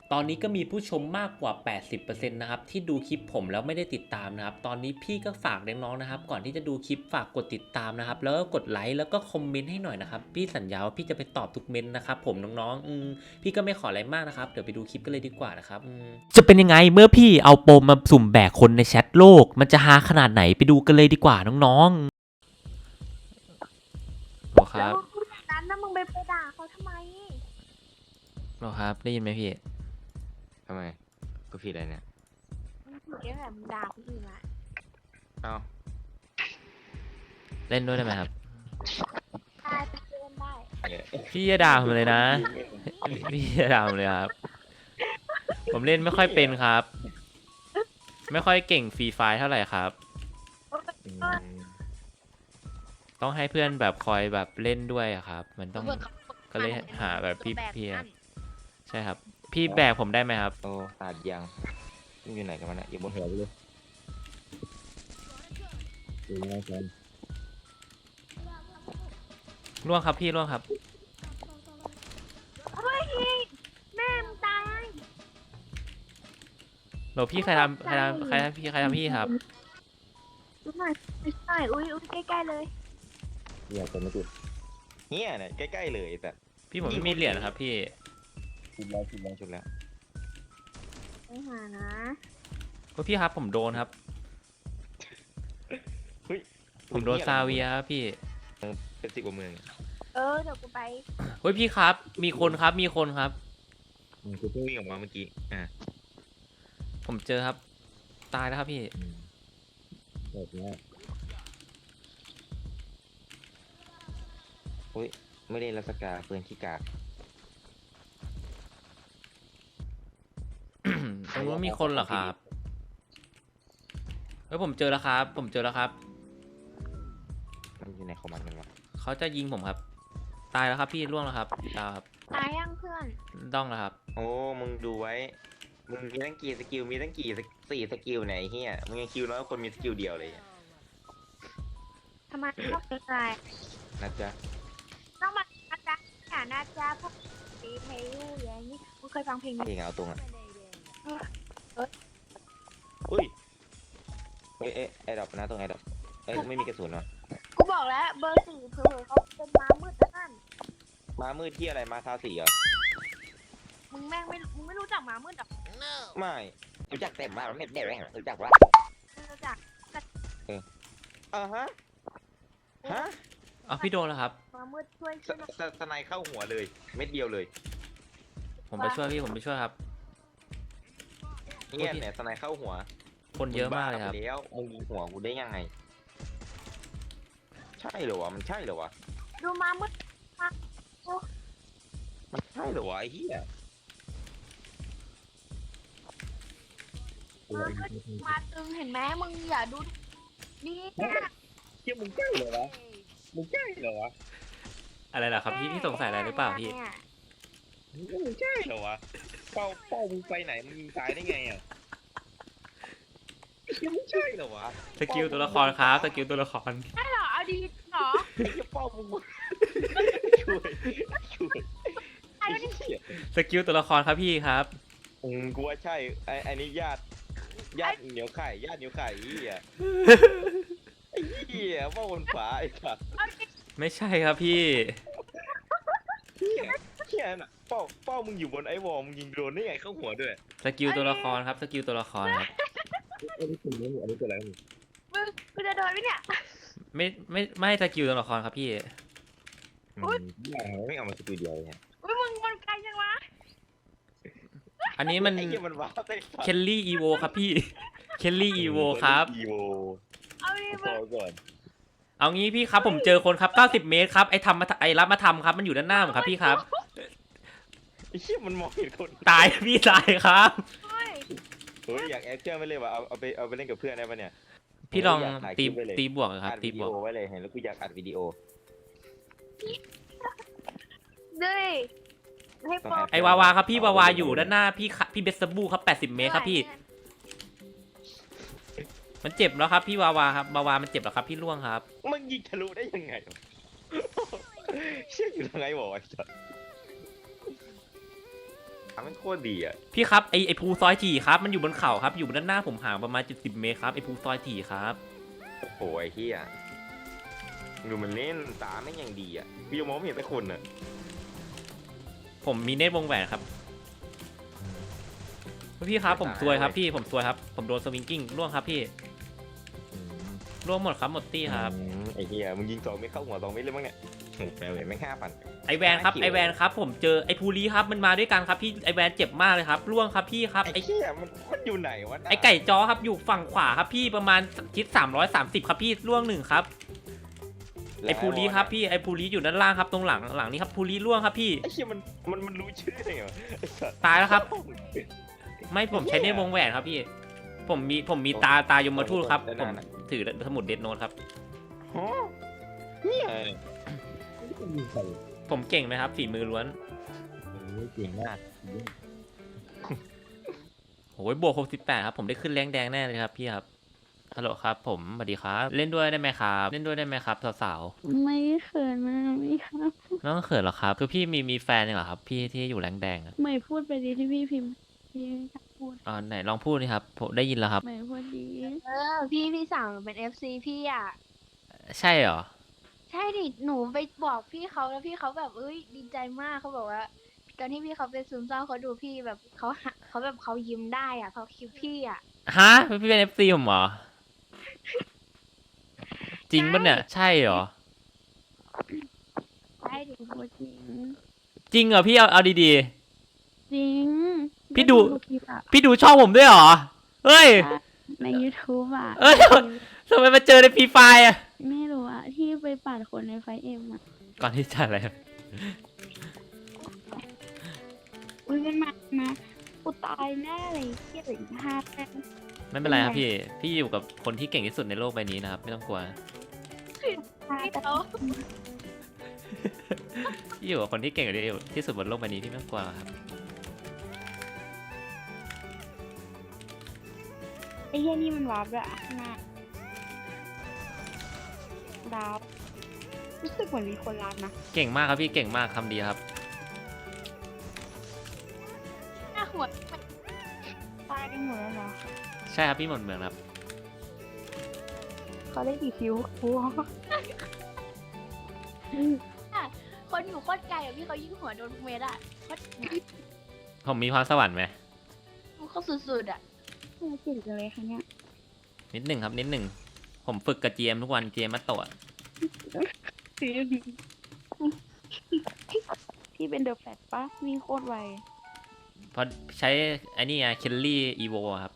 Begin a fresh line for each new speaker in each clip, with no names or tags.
ตอนนี้ก็มีผู้ชมมากกว่า 80%นะครับที่ดูคลิปผมแล้วไม่ได้ติดตามนะครับตอนนี้พี่ก็ฝากน้องๆนะครับก่อนที่จะดูคลิปฝากกดติดตามนะครับแล้วก็กดไลค์แล้วก็คอมเมนต์ให้หน่อยนะครับพี่สัญญาว่าพี่จะไปตอบทุกเมนต์นะครับผมน้องๆพี่ก็ไม่ขออะไรมากนะครับเดี๋ยวไปดูคลิปกันเลยดีกว่านะครับจะเป็นยังไงเมื่อพี่เอาโปมมาสุ่มแบกคนในแชทโลกมันจะฮาขนาดไหนไปดูกันเลยดีกว่าน้องๆหรอค
แล้
รั
ว
บ
พูดอย่างนั้นนะมึงไปด่าเขาทำไม
หรอครับได้ยินไหมพี่
ทำไมกูผิดอะไรเนี่ย
มึงถูกแค่แบบมึงด่าคนอื่นละ
เอ้า
เล่นด้วยได้ไหมครับ
ตายเป็นเพื่อนได้
พี่อย่าด่าผมเลยนะ พี่อย่าด่าผมเลยครับ ผมเล่นไม่ค่อยเป็นครับ ไม่ค่อยเก่งฟรีไฟเท่าไหร่ครับ
อืม
ต้องให้เพื่อนแบบคอยแบบเล่นด้วยอะครับ มันต้องก็เลยหาแบบพี่อะใช่ครับ พี่แบกผมได้ไหมครับ
โอ้ตัดยังมึงอยู่ไหนกันวะเนี่ยอยู่บนหัวกูเลยอยู่ยังไงกัน
ร่วงครับพี่ร่วงครับ
เฮ้ยแม่มึงตาย
โหลพี่ใครทำพี่ครับ
ดูหน่อยไม่ใช่อุ้ยใกล้ๆเลย
เหี้ยจะไม่ติดเฮียเนี่ยใกล้ๆเลยแต่
พี่ผมไม่มีเหรียญนะครับพี่
ชุดแล้ว
ไปหานะ
พี่ครับผมโดนครับ
เฮ้ย
ผมโดนซาเวียครับพี่
เป็น10 กว่าเมือง
เดี๋ยวกูไป
เฮ้ยพี่ครับ มีคนครับ มีคนครับ
กูเพิ่งวิ่งออกมาเมื่อกี้
ผมเจอครับ ตายแล้วครับพี่
แบบนี้อุ้ยไม่ได้รัสกาปืนขี้กาก
ตรงนู้นมีคนเหรอครับเฮ้ยผมเจอแล้วครับ ผมเจอแล้วครับ
มันอยู่ในคอมมานด์กันวะ
เขาจะยิงผมครับ ตายแล้วครับพี่ร่วงแล้วครับดาวครับ
ตายยังเพื่อน
ต้องแล้วครับ
โอ้มึงดูไว้มึงมีตั้งกี่สกิลมีตั้งกี่4 สกิลไหนเฮียมึงยังคิวน้อยกว่าคนมีสกิลเดียวเลยอะ
ทำไมต้องเป็นไร
นะจ๊ะ
ต้องมาอาจารย์อย่านะจ๊ะพวกตีเพลงอย่างนี้มึงเคยฟังเพลงนี้
เพลงเอาตรงอ่ะ
เอ้ย
อุ้ยไอ้ดอกนะตรงไอ้ดอกไม่มีกระสุนวะ
กูบอกแล้วเบอร์4เผลอๆเขาเป็นม้ามืดแล้วนั่น
มามืดที่อะไรมาคาสีเหรอ
มึงไม่รู้จักม้ามืดหรอ
ไม่รู้จักแต่มาไม่ได้แรงรู้จักวะ
ไม่รู้จัก
ฮะฮะ
เอาพี่โดนแล้วครับ
ม้ามืดช่วยหน่อย
สไนเข้าหัวเลยเม็ดเดียวเลย
ผมไปช่วยพี่ ผมไปช่วยครับ
เนี่ยสไนเข้าหัว
คนเยอะมากเลยครับ
มึงบ้ไปแล้วมึงยิงหัวกูได้ยังไงใช่เหรอวะมันใช่เหรอวะ
ดูม้ามืด
มันใช่เหรอวะไอ้เหี้ย
มาตึงเห็นไหมมึงอย่าดูนี่นะ
เหี้ยมึงใช่เหรอวะมึงใช่เหรอวะ
อะไรล่ะครับพี่สงสัยอะไรหรือเปล่าพี่
มึงใช่เหรอวะเป้ามึงไปไหนมึงยิงตายได้ไงอ่ะเหี้ยมึงใช่เหรอวะ
สกิลตัวละครครับ สกิลตัวละคร
ใช่เหรอเอาดีเหรอ
ไอ้เหี้ยเป้ามึงช่วย
ไอ้
ไอ้
นี่
เหี้ย
สกิลตัวละครครับพี่ครับ
กูว่าใช่ไอ้นี่ญาติเหนียวไข่ญาติเหนียวไข่ไอ้เหี้ยไอ้เหี้ยว่าบนฝาไอ้สัตว์
เอาดิ
ไม่ใช่ครับพี่
เหี้ยน่ะเป้ามึงอยู่บนไอ้วอลมึงยิงโดนได้ไงเข้าหัวด้วย
สกิลตัวละครครับ สกิลตัวละครครับ
อันนี้คืออันนี้คืออะไร
มึงจะโดนไหมเนี่ย
ไม่สกิลตัวละครครับพี่
ไม่เอามาสกิลเดียวเนี่ย
อุ้ยมึงมันไกลจังวะ
อันนี้มัน
ไอ้เหี้ยมันว้าวได้
เคลลี่อีโวครับพี่ เคลลี่อีโวครับ
อีโว
เอาดิ
พ
มึ
อง ก่อน
เอางี้พี่ครับผมเจอคนครับ90 เมตรครับไอ้รับมาทำครับมันอยู่ด้านหน้าผมครับพี่ครับ
ไอ้เหี้ยมันมองเห็นคน
ตายพี่ตายครับ
เฮ้ย
เฮ้ยอยากแอคเชื่อไม่เลยว่ะเอาไปเล่นกับเพื่อนได้ปะเนี่ย
พี่ลอง
อยากถ่ายค
ตี
ลิปไว้เลย
ตีบวกครับ
อัด
ตี
วิ
บ
ดี
วก
โอไว้เลยเห็นแล้วกูอยากอัดวิดีโอ
ด้วยให้ปอ
ไอวาวาครับพี่วาวาอยู่ด้านหน้าพี่เบสบูครับ80 เมตรครับพี่ มันเจ็บแล้วครับพี่วาวาครับวาวามันเจ็บแล้วครับพี่ล่วงครับ
มันยิงทะลุได้ยังไงวะเชื่ออยู่ยังไงบอกไอ้สัสมันโคตรดีอ่ะ
พี่ครับไอภูซอยถี่ครับมันอยู่บนเขาครับอยู่ด้านหน้าผมห่างประมาณ70 เมตรครับไอภูซอยถี่ครับ
โอ้ยไอ้เหี้ยดูมันเล่นตาไม่งยังดีอ่ะพี่ยังมองไม่เห็นแต่คนอ่ะ
ผมมีเนตรวงแหวนครับพี่ครับผมซวยครับพี่ผมซวยครับผมโดนสวิงกิ้งล่วงครับพี่ล่วงหมดครับหมดตี้ครับ
ไอ้เหี้ยมึงยิง2ไม่เข้าหัว2ไม่เลยมั้งเนี่ยโอ้แปลเลยแม่ง5,000
ไอแวนครับไอแวนครับผมเจอไอภูรีครับมันมาด้วยกันครับพี่ไอแวนเจ็บมากเลยครับล่วงครับพี่ครับ
ไอ้เหี้ยมันอยู่ไหนวะ
ไอไก่จอครับอยู่ฝั่งขวาครับพี่ประมาณทิศ330ครับพี่ล่วง1ครับไอภูรีครับพี่ไอภูรีอยู่ด้านล่างครับตรงหลังนี้ครับภูรีล่วงครับพี่
ไอ้เหี้ยมันรู้ชื่อได้ไงวะไอ้สัตว์
ตายแล้วครับ ไม่ผมใช้เนตรวงแหวนครับพี่ผมมีตายมทูตครับผมถือสมุดเดดโนตครับ
ฮะเหี้ย
ผมเก่งไหมครับฝีมือล้วน
เก่งมาก
โอ้ยบวก68ครับผมได้ขึ้นแรงแดงแน่เลยครับพี่ครับฮัลโหลครับผมสวัสดีครับเล่นด้วยได้ไหมครับเล่นด้วยได้ไหมครับสาว
ไม่เขินมากไม่ครับ
ๆไม่ต้องเขินหรอกครับคือพี่มีแฟนเหรอครับพี่ที่อยู่แรงแดงอะ
ไม่พูดไปดีที่พี่พิมพ์พี่ไม่อยากพูด
ไหนลองพูดนี่ครับผมได้ยินแล้วครับ
ไม่พูดดี
พี่สั่งเป็น FC พี่อ่ะ
ใช่เหรอ
ใช่ดิหนูไปบอกพี่เขาแล้วพี่เขาแบบดีใจมากเขาบอกว่า ตอนที่พี่เขาเป็นซึมเศร้าเขาดูพี่แบบเขาแบบเขายิ้มได้อ่ะเพราะคลิปพี่อ่ะ
ฮะพี่เป็น FC ผมเหรอจริงปะเนี่ยใช่เหรอ
ใช่ดิ
พูดจริง
จริงเหรอพี่เอาดี
จริง
พี่ดู
คลิปอะ
ๆพี่ดูช่องผมด้วยเหรอเฮ้ย
ใน YouTube อะ
เอ้ย ทำไมมาเจอในฟรีไฟอะ
ไม่รู้อะที่ไปปั่นคนในไฟเอ็มอะ
ก่อนที่จะอะไร
มันมากูตายแน่เลยเครียดเลยห้าแต้ม
ไม่เป็นไรครับพี่อยู่กับคนที่เก่งที่สุดในโลกใบนี้นะครับไม่ต้องกลัว
ห้า
พี่
แต้
เขา
ม
พี่อยู่กับคนที่เก่งที่สุดบนโลกใบนี้พี่ไม่ต้องกลัวครับ
ไอ้เหี้ยนี่มันวาร์ปด้วยอะข้างหน้าดาวรู้สึกเหมือนมีคนรักนะ
เก่งมากครับพี่เก่งมากคำดีครับ
หน้าหัว
ตายกันหมดแล้วเหรอ
ใช่ครับพี่หมดเมืองครับ
เขาได้กี่คิวครู
คนอยู่โคตรไกลอ่ะพี่เขายิงหัวโดนเมตรอ่ะโคตร
ผมมีพรสวรรค์ไหม
เขาสุดๆอ่ะ
เก่งจังเลยค่ะเนี่ย
นิดหนึ่งครับนิดหนึ่งผมฝึกกับ GM ทุกวัน GM มาโตะ
พี่เป็นเดอะแฟตปะวิ่งโคตรไว
เพราะใช้ไอ้นี่ไงเคลลี่อีโวครับ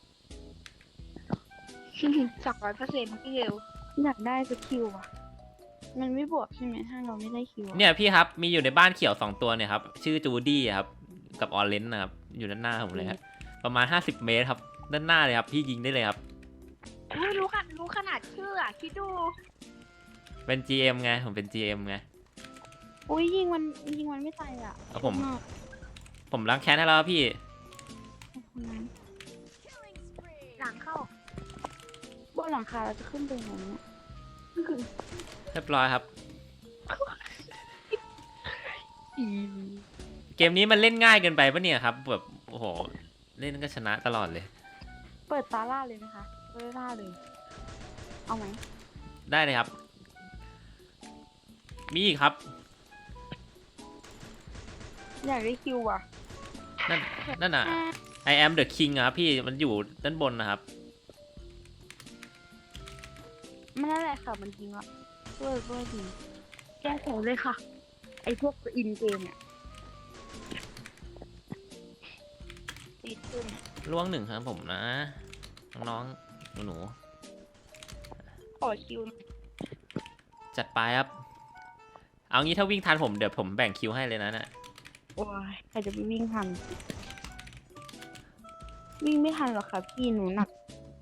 200%พี่เร็ว
อยากได้สกิลอะมันไม่บวกใช่ไหมถ้าเราไม่ได้คิวอะ
เนี่ยพี่ครับมีอยู่ในบ้านเขียว2ตัวเนี่ยครับชื่อจูดี้ครับกับออเรนจ์นะครับอยู่ด้านหน้าผมเลยครับประมาณ50 เมตรครับด้านหน้าเลยครับพี่ยิงได้เลยครับ
รู้ขนาดชื่ออ่ะคิดดู
เป็น GM ไงผมเป็น GM ไง
อุ้ยยิงมันไม่ตายอ่ะ
เอาผม
ชอบาก
ผมล้างแค้นให้แล้วครับพี่
ขอบคุณนะ
หลังเข้า
บนหลังคาเราจะขึ้นไปไหนเนี่ย
เรียบร้อยครับ เกมนี้มันเล่นง่ายเกินไปปะเนี่ยครับแบบโอ้โหเล่นก็ชนะตลอดเลย
เปิดตาล่าเลยไหมคะเปิดล่าเลย เอาไหม
ได้เลยครับ มีอีกครับ
อยากได้คิวอ่ะ
นั่นน่ะ I am the king อะครับพี่มันอยู่ด้านบนนะครับ
มันนั่นแหละค่ะมันจริงอ่ะด้วยจริงแก้แค้นเลยค่ะ ไอพวกอินเกมเนี่ยติดขึ้น
ล่วงหนึ่งครับผมนะ น้องๆหนู
ขอคิวหน่อย
ๆจัดไปครับ เอางี้ถ้าวิ่งทันผมเดี๋ยวผมแบ่งคิวให้เลยนะเนี่ย
โอ้ยใครจะไปวิ่งทัน วิ่งไม่ทันหรอกค่ะพี่หนูหนัก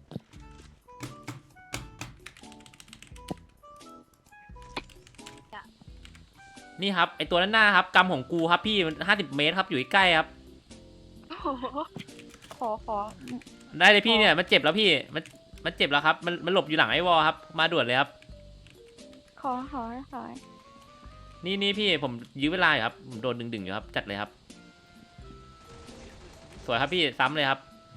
นี่ครับไอตัวด้านหน้าครับกำของกูครับพี่มัน50 เมตรครับอยู่ใกล้ๆครับ
โอ้โห
ขอ
ได้เลยพี่เนี่ยมันเจ็บแล้วพี่มันเจ็บแล้วครับมันหลบอยู่หลังไอ้วอลครับมาด่วนเลยครับ
ขอ
นี่พี่ผมยื้อเวลาอยู่ครับผมโดนดึงๆอยู่ครับจัดเลยครับสวยครับพี่ซ้ำเลยครับ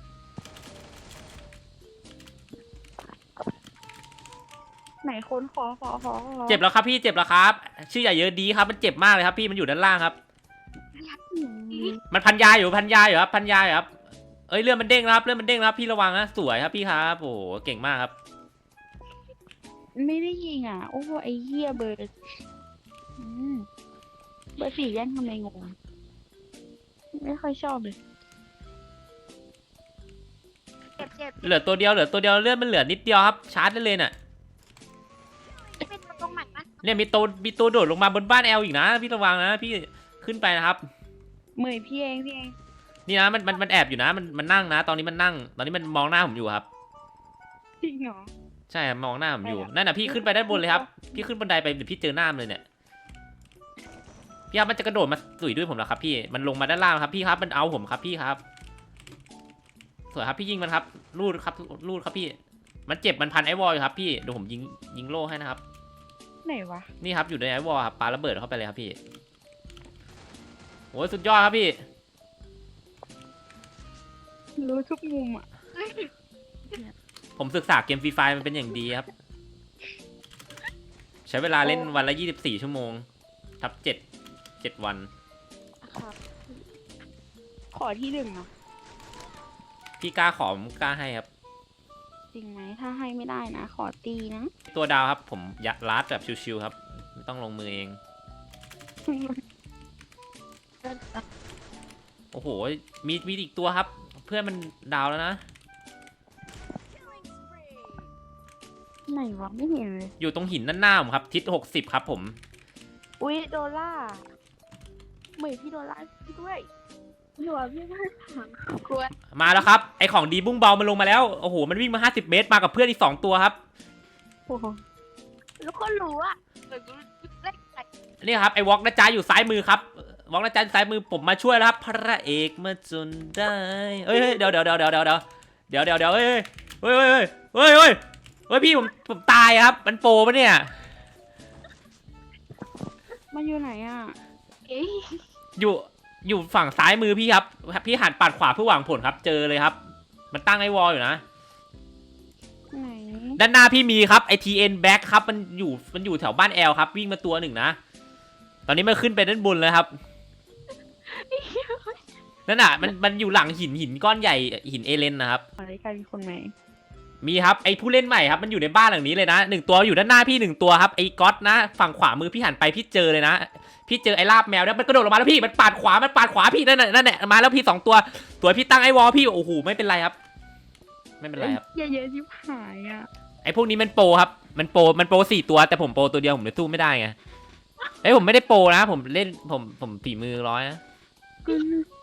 ไหนคนขอ
เจ็บแล้วครับพี่เจ็บแล้วครับ ชื่ออย่าเยอะดีครับมันเจ็บมากเลยครับพี่มันอยู่ด้านล่างครับ มันพันยาอยู่พันยาอยู่ครับพันยาอยู่ครับเอ้ยเลือดมันเด้งแล้วครับเลือดมันเด้งแล้วครับพี่ระวังนะสวยครับพี่ครับโอ้โหเก่งมากครับ
ไม่ได้ยิงอ่ะ โอ้โหไอ้เหี้ยเบอร์เบอร์สี่แย่งทำไมงงไม่ค่อยชอบเลย
เจ็บ
เหลือตัวเดียวเลือดมันเหลือนิดเดียวครับชาร์จได้เลยน่ะ
เป็นตรงไหนนะ
เนี่ยมีตัวโดดลงมาบนบ้านแอลอีกนะพี่ระวังนะพี่ขึ้นไปนะครับ
เหมยพี่เอง
นี่นะมันแอบอยู่นะมันนั่งนะ ตอนนี้มันนั่ง ตอนนี้มันมองหน้าผมอยู่ครับ
จริงเหรอ
ใช่ครับมองหน้าผมอยู่นั่นน่ะพี่ขึ้นไปด้านบนเลยครับพี่ขึ้นบันไดไปเดี๋ยวพี่เจอหน้ามันเลยเนี่ยพี่ครับมันจะกระโดดมาสุยด้วยผมแล้วครับพี่มันลงมาด้านล่างครับพี่ครับมันเอาผมครับพี่ครับสวยครับพี่ยิงมันครับรูดครับพี่มันเจ็บมันพันไอวอลอยู่ครับพี่เดี๋ยวผมยิงโล่ให้นะครับ
ไหนวะ
นี่ครับอยู่ในไอวอลครับปาระเบิดเข้าไปเลยครับพี่โอ้ยสุดยอดครับพี่
รู้ทุกมุมอ่ะ
ผมศึกษาเกมฟรีไฟมันเป็นอย่างดีครับ ใช้เวลาเล่นวันละ24 ชั่วโมงทับ7วัน
ครับขอที่หนึ่งอ่ะ
พี่กล้าขอผมกล้าให้ครับ
จริงไหมถ้าให้ไม่ได้นะ ขอตีนะ
ตัวดาวครับผมลัดแบบชิวๆครับไม่ต้องลงมือเอง โอ้โหมีอีกตัวครับ เพื่อนมันดาวแล้วนะ
ไหนวะไม่เห็นเลย
อยู่ตรงหินด้านหน้าผมครับทิศ60ครับผม
อุ๊ยโดล่าเหมยพี่โดล่าพี่ด้วย
หัวพี่ไม่ถังกลัว
มาแล้วครับไอของดีบุ้งเบามันลงมาแล้วโอ้โหมันวิ่งมา50 เมตรมากับเพื่อนอีก2ตัวครับ
โอ้โห
แล้วก็รู้อ่ะเหมือนกูเล่นไก่
นี่ครับไอวอล์กนะจ๊ะอยู่ซ้ายมือครับวอล์กนะจ๊ะอยู่ซ้ายมือผมมาช่วยแล้วครับพระเอกมาจนได้เฮ้ยเดี๋ยวเฮ้ยพี่ผมตายครับมันโปรปะเนี่ย
มันอยู่ไหนอ่ะ
เอ้ย
อยู่ฝั่งซ้ายมือพี่ครับพี่หันปัดขวาเพื่อหวังผลครับเจอเลยครับ มันตั้งไอวอลอยู่นะ
ไหน
ด้านหน้าพี่มีครับไอทีเอ็นแบ็คครับมันอยู่แถวบ้านแอลครับวิ่งมาตัวหนึ่งนะตอนนี้มันขึ้นไปด้านบนเลยครับนั่นน่ะมันอยู่หลังหินก้อนใหญ่หินเอเลนนะครับ
อะไรกันมีคนไหม
มีครับไอผู้เล่นใหม่ครับมันอยู่ในบ้านหลังนี้เลยนะ1 ตัวอยู่ด้านหน้าพี่1 ตัวครับไอก๊อตนะฝั่งขวามือพี่หันไปพี่เจอเลยนะพี่เจอไอลาบแมวแล้วมันกระโดดลงมาแล้วพี่มันปาดขวาพี่นั่นแหละมาแล้วพี่2 ตัวพี่ตั้งไอวอลพี่โอ้โหไม่เป็นไรครับไม่เป็นไรครับ
เยอะๆชิบหายอ่ะ
ไอพวกนี้มันโปรครับมันโปร4 ตัวแต่ผมโปรตัวเดียวผมเลยสู้ไม่ได้ไงผมไม่ได้โปรนะผมเล่นผมฝีมือ100นะ